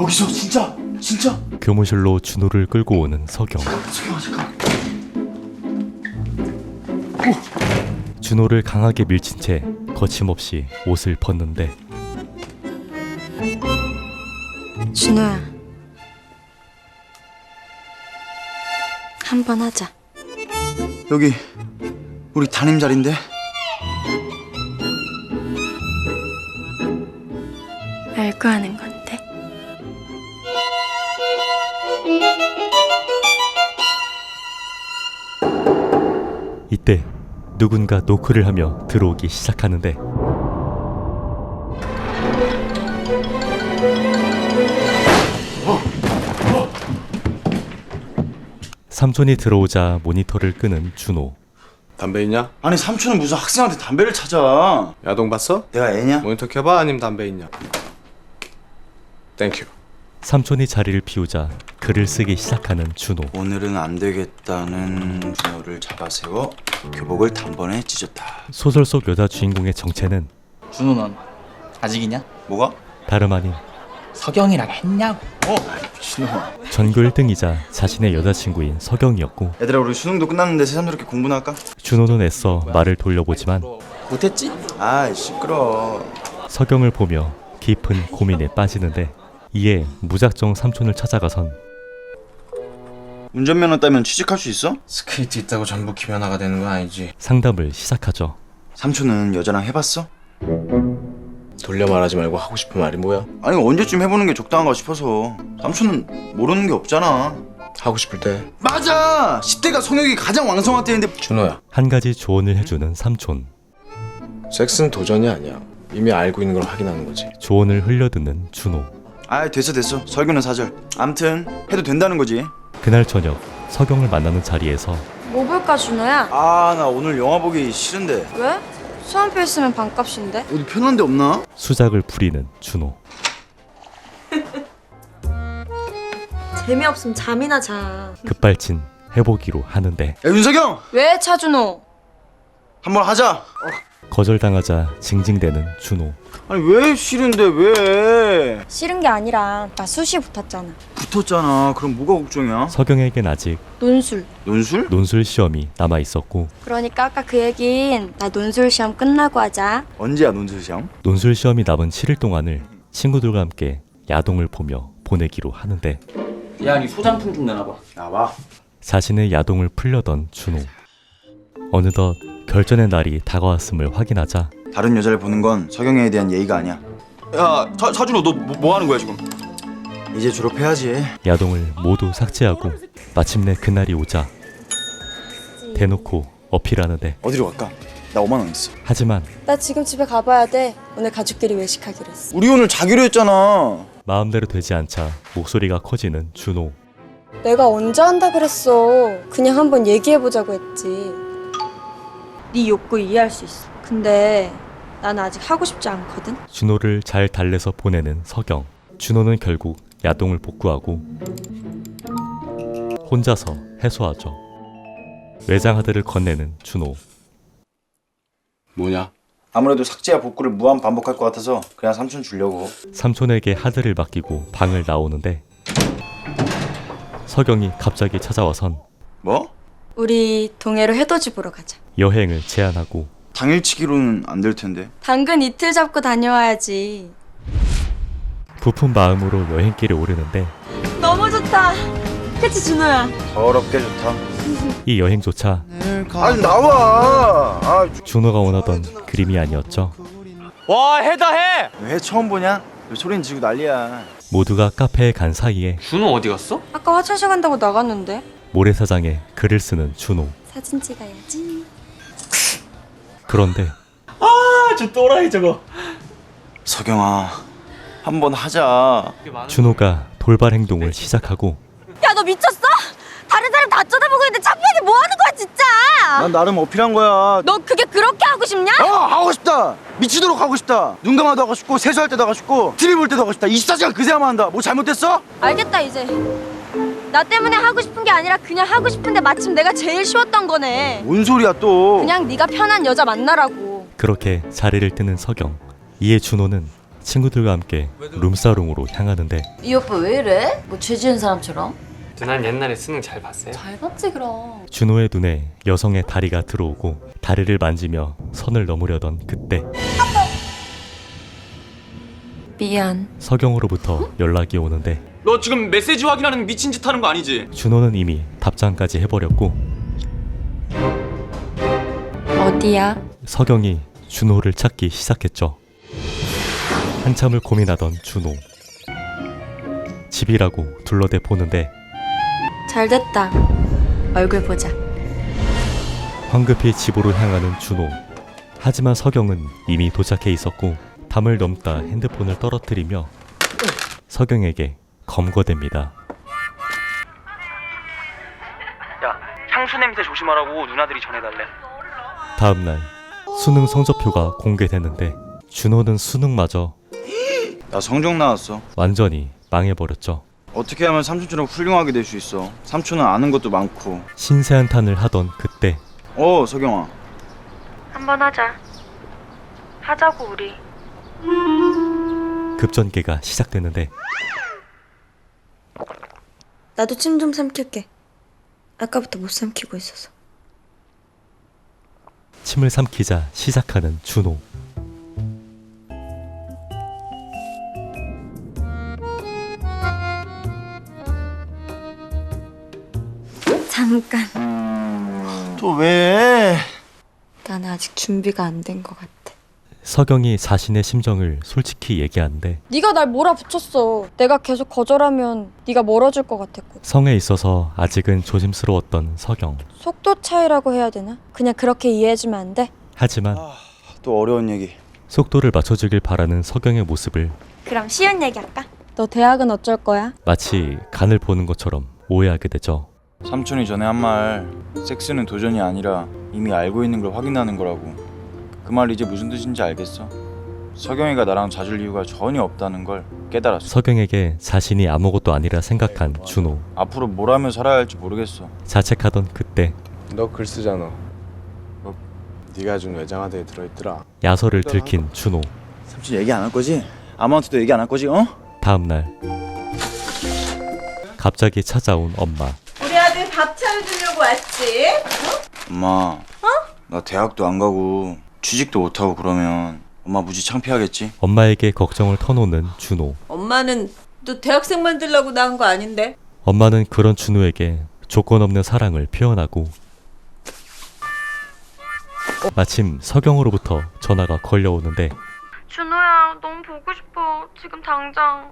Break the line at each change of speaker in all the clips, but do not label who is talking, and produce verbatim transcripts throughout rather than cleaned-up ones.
여기서 진짜 진짜
교무실로 준호를 끌고 오는 석영.
석영아 잠깐.
준호를 강하게 밀친 채 거침없이 옷을 벗는데
준호야, 한번 하자.
여기 우리 담임 자리인데.
알고 하는 건데.
이때 누군가 노크를 하며 들어오기 시작하는데 삼촌이 들어오자 모니터를 끄는 준호.
담배 있냐?
아니 삼촌은 무슨 학생한테 담배를 찾아.
야동 봤어?
내가 애냐?
모니터 켜봐. 아니면 담배 있냐? 땡큐.
삼촌이 자리를 비우자 글을 쓰기 시작하는 준호.
오늘은 안 되겠다는 준호를 잡아세워 교복을 단번에 찢었다.
소설 속 여자 주인공의 정체는
준호 넌 아직이냐?
뭐가?
다름 아닌
석영이랑 했냐고.
미친놈아.
전교 일 등이자 자신의 여자친구인 석영이었고
얘들아 우리 수능도 끝났는데 새삼스럽게 공부나 할까?
준호는 애써 말을 돌려보지만
못했지?
아이 시끄러.
석영을 보며 깊은 고민에 빠지는데 이에 무작정 삼촌을 찾아가선
운전면허 따면 취직할 수 있어?
스케이트 있다고 전부 김연아가 되는 건 아니지.
상담을 시작하죠.
삼촌은 여자랑 해봤어?
돌려 말하지 말고 하고 싶은 말이 뭐야?
아니 언제쯤 해보는 게 적당한가 싶어서. 삼촌은 모르는 게 없잖아.
하고 싶을 때.
맞아! 십 대가 성욕이 가장 왕성할 때인데.
준호야,
한 가지 조언을 해주는 삼촌.
섹스는 도전이 아니야. 이미 알고 있는 걸 확인하는 거지.
조언을 흘려듣는 준호.
아 됐어 됐어. 설교는 사절. 암튼 해도 된다는 거지.
그날 저녁 석영을 만나는 자리에서
뭐 볼까, 준호야?
아 나 오늘 영화 보기 싫은데.
왜? 수험표 있으면 반값인데?
어디 편한 데 없나?
수작을 부리는 준호.
재미없으면 잠이나 자.
급발진 해보기로 하는데
야 윤석영!
왜, 차준호?
한번 하자.
거절당하자 징징대는 준호.
아니 왜 싫은데 왜?
싫은 게 아니라 나 수시 붙었잖아.
붙었잖아. 그럼 뭐가 걱정이야?
석영에겐 아직
논술.
논술?
논술 시험이 남아있었고
그러니까 아까 그 얘긴 나 논술 시험 끝나고 하자.
언제야 논술 시험?
논술 시험이 남은 칠 일 동안을 친구들과 함께 야동을 보며 보내기로 하는데
야, 니 소장품 좀 내놔봐.
나와.
자신의 야동을 풀려던 준호. 어느덧 결전의 날이 다가왔음을 확인하자
다른 여자를 보는 건 석영에 대한 예의가 아니야. 야 사, 사준호 너 뭐 하는 거야 지금? 이제 졸업해야지.
야동을 모두 삭제하고 마침내 그날이 오자 대놓고 어필하는데
어디로 갈까? 나 오만 원 있어.
하지만
나 지금 집에 가봐야 돼. 오늘 가족끼리 외식하기로 했어.
우리 오늘 자기로 했잖아.
마음대로 되지 않자 목소리가 커지는 준호.
내가 언제 한다 그랬어. 그냥 한번 얘기해보자고 했지. 네 욕구 이해할 수 있어. 근데 난 아직 하고 싶지 않거든.
준호를 잘 달래서 보내는 석영. 준호는 결국 야동을 복구하고 혼자서 해소하죠. 외장 하드를 건네는 준호.
뭐냐?
아무래도 삭제와 복구를 무한 반복할 것 같아서 그냥 삼촌 주려고.
삼촌에게 하드를 맡기고 방을 나오는데 석영이 갑자기 찾아와선
뭐?
우리 동해로 해돋이 보러 가자.
여행을 제안하고
당일치기로는 안 될 텐데.
당근 이틀 잡고 다녀와야지.
부푼 마음으로 여행길에 오르는데
너무 좋다. 그치, 준호야?
더럽게 좋다.
이 여행조차
아니 나와. 아,
준호가 원하던 그림이 아니었죠.
와, 해다 해.
왜 처음 보냐? 왜 소리는 지르고 난리야.
모두가 카페에 간 사이에
준호 어디 갔어?
아까 화장실 간다고 나갔는데.
모래사장에 글을 쓰는 준호.
사진 찍어야지.
그런데
아, 저 또라이 저거.
석영아 한번 하자.
준호가 돌발 행동을 시작하고
야, 너 미쳤어? 다른 사람 다 쳐다보고 있는데 창피하게 뭐 하는 거야, 진짜?
난 나름 어필한 거야.
너 그게 그렇게 하고 싶냐?
어 하고 싶다. 미치도록 하고 싶다. 눈 감아도 하고 싶고 세수할 때도 하고 싶고 티비 볼 때도 하고 싶다. 이십사 시간 그새야만 한다. 뭐 잘못됐어?
알겠다, 이제. 나 때문에 하고 싶은 게 아니라 그냥 하고 싶은데 마침 내가 제일 쉬웠던 거네.
뭔 소리야 또.
그냥 네가 편한 여자 만나라고.
그렇게 자리를 뜨는 석영. 이에 준호는 친구들과 함께 룸사롱으로 향하는데
이 오빠 왜 이래? 뭐 죄 지은 사람처럼?
난 옛날에 수능 잘 봤어요.
잘 봤지 그럼.
준호의 눈에 여성의 다리가 들어오고 다리를 만지며 선을 넘으려던 그때
미안.
서경으로부터 연락이 오는데
너 지금 메시지 확인하는 미친 짓 하는 거 아니지?
준호는 이미 답장까지 해버렸고
어디야?
서경이 준호를 찾기 시작했죠. 한참을 고민하던 준호. 집이라고 둘러대 보는데
잘 됐다. 얼굴 보자.
황급히 집으로 향하는 준호. 하지만 서경은 이미 도착해 있었고 담을 넘다 핸드폰을 떨어뜨리며 서경에게 검거됩니다.
야, 향수 냄새 조심하라고 누나들이 전해달래.
다음날 수능 성적표가 공개됐는데 준호는 수능마저
나 성적 나왔어.
완전히 망해버렸죠.
어떻게 하면 삼촌처럼 훌륭하게 될 수 있어? 삼촌은 아는 것도 많고.
신세한탄을 하던 그때
어, 서경아.
한번 하자. 하자고 우리.
급전개가 시작되는데
나도 침 좀 삼킬게. 아까부터 못 삼키고 있어서.
침을 삼키자 시작하는 준호.
잠깐.
또 왜?
난 아직 준비가 안 된 것 같아.
서경이 자신의 심정을 솔직히 얘기하는데
네가 날 몰아붙였어. 내가 계속 거절하면 네가 멀어질 것 같았고.
성에 있어서 아직은 조심스러웠던 서경.
속도 차이라고 해야 되나? 그냥 그렇게 이해해주면 안 돼?
하지만
아, 또 어려운 얘기.
속도를 맞춰주길 바라는 서경의 모습을
그럼 쉬운 얘기 할까? 너 대학은 어쩔 거야?
마치 간을 보는 것처럼 오해하게 되죠.
삼촌이 전에 한 말, 섹스는 도전이 아니라 이미 알고 있는 걸 확인하는 거라고. 그 말 이제 무슨 뜻인지 알겠어? 서경이가 나랑 잦을 이유가 전혀 없다는 걸 깨달았어.
서경에게 자신이 아무것도 아니라 생각한 준호.
앞으로 뭘 하며 살아야 할지 모르겠어.
자책하던 그때
너 글 쓰잖아. 뭐, 네가 준 외장하드에 들어있더라.
야설을 들킨 준호.
삼촌 얘기 안 할 거지? 아무한테도 얘기 안 할 거지? 어?
다음날 갑자기 찾아온 엄마.
우리 아들 밥 차려주려고 왔지?
엄마. 어? 나 대학도 안 가고 취직도 못 하고 그러면 엄마 무지 창피하겠지?
엄마에게 걱정을 터놓는 준호.
엄마는 너 대학생 만들려고 낳은 거 아닌데?
엄마는 그런 준호에게 조건 없는 사랑을 표현하고 마침 서경으로부터 전화가 걸려오는데
준호야, 너무 보고 싶어. 지금 당장.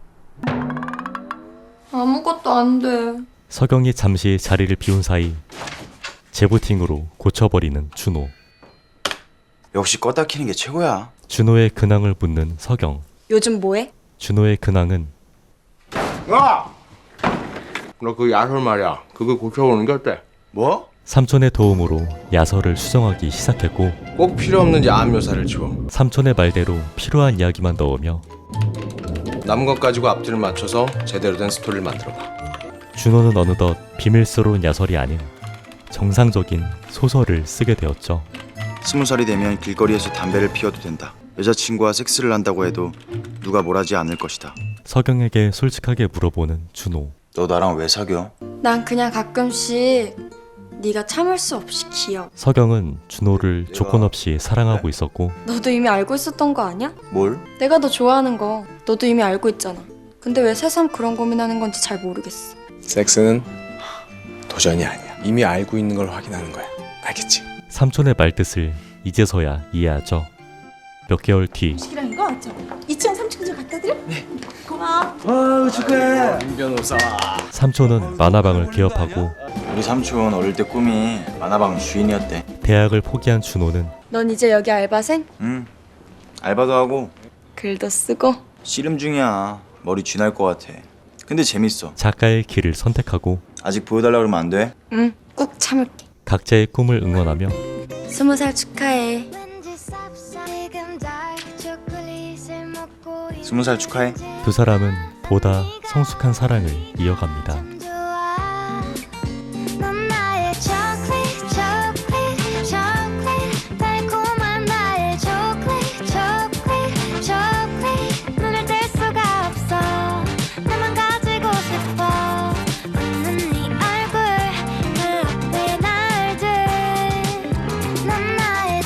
아무것도 안 돼.
서경이 잠시 자리를 비운 사이 재부팅으로 고쳐버리는 준호.
역시 껐다 키는 게 최고야.
준호의 근황을 묻는 서경.
요즘 뭐해?
준호의 근황은
야! 너 그 야설 말이야. 그거 고쳐보는 게 어때?
뭐?
삼촌의 도움으로 야설을 수정하기 시작했고
꼭 필요 없는 야한 묘사를 지워.
삼촌의 말대로 필요한 이야기만 넣으며
남은 것 가지고 앞뒤를 맞춰서 제대로 된 스토리를 만들어봐.
준호는 어느덧 비밀스러운 야설이 아닌 정상적인 소설을 쓰게 되었죠.
스무 살이 되면 길거리에서 담배를 피워도 된다. 여자친구와 섹스를 한다고 해도 누가 뭘 하지 않을 것이다.
서경에게 솔직하게 물어보는 준호.
너 나랑 왜 사겨?
난 그냥 가끔씩 네가 참을 수 없이 귀여워.
서경은 준호를 조건 없이 사랑하고 있었고
너도 이미 알고 있었던 거 아니야?
뭘?
내가 너 좋아하는 거 너도 이미 알고 있잖아. 근데 왜 새삼 그런 고민하는 건지 잘 모르겠어.
섹스는 도전이 아니야. 이미 알고 있는 걸 확인하는 거야. 알겠지?
삼촌의 말뜻을 이제서야 이해하죠. 몇 개월 뒤
시키랑 이거 왔죠? 이 층 삼 층 좀 갖다 드려? 네. 고마워.
아유 축하해.
임 변호사.
삼촌은 만화방을 개업하고
우리 삼촌 어릴 때 꿈이 만화방 주인이었대.
대학을 포기한 준호는
넌 이제 여기 알바생?
응. 알바도 하고
글도 쓰고.
씨름 중이야. 머리 쥐날 것 같아. 근데 재밌어.
작가의 길을 선택하고
아직 보여달라 그러면 안 돼?
응, 꾹 참을게.
각자의 꿈을 응원하며
스무 살 축하해.
스무 살 축하해.
두 사람은 보다 성숙한 사랑을 이어갑니다.